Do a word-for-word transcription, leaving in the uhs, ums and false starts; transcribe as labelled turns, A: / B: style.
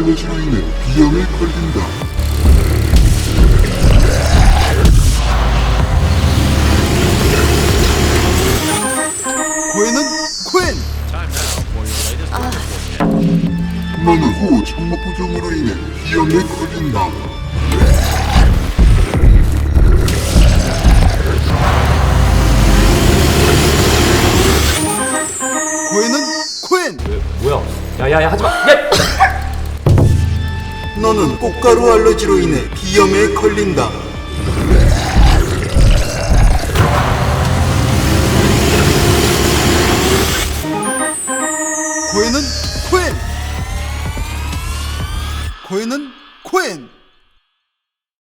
A: 알러지로 인해 비염에 걸린다.
B: 코엔은 코엔!
A: 너는 후 참목 부종으로 인해 비염에 걸린다.
B: 코엔은 코엔!
C: 뭐야? 야야야 하지마! 야!
B: 너는 꽃가루 알러지로 인해 비염에 걸린다. 코엔은 코엔! 코엔은 코엔!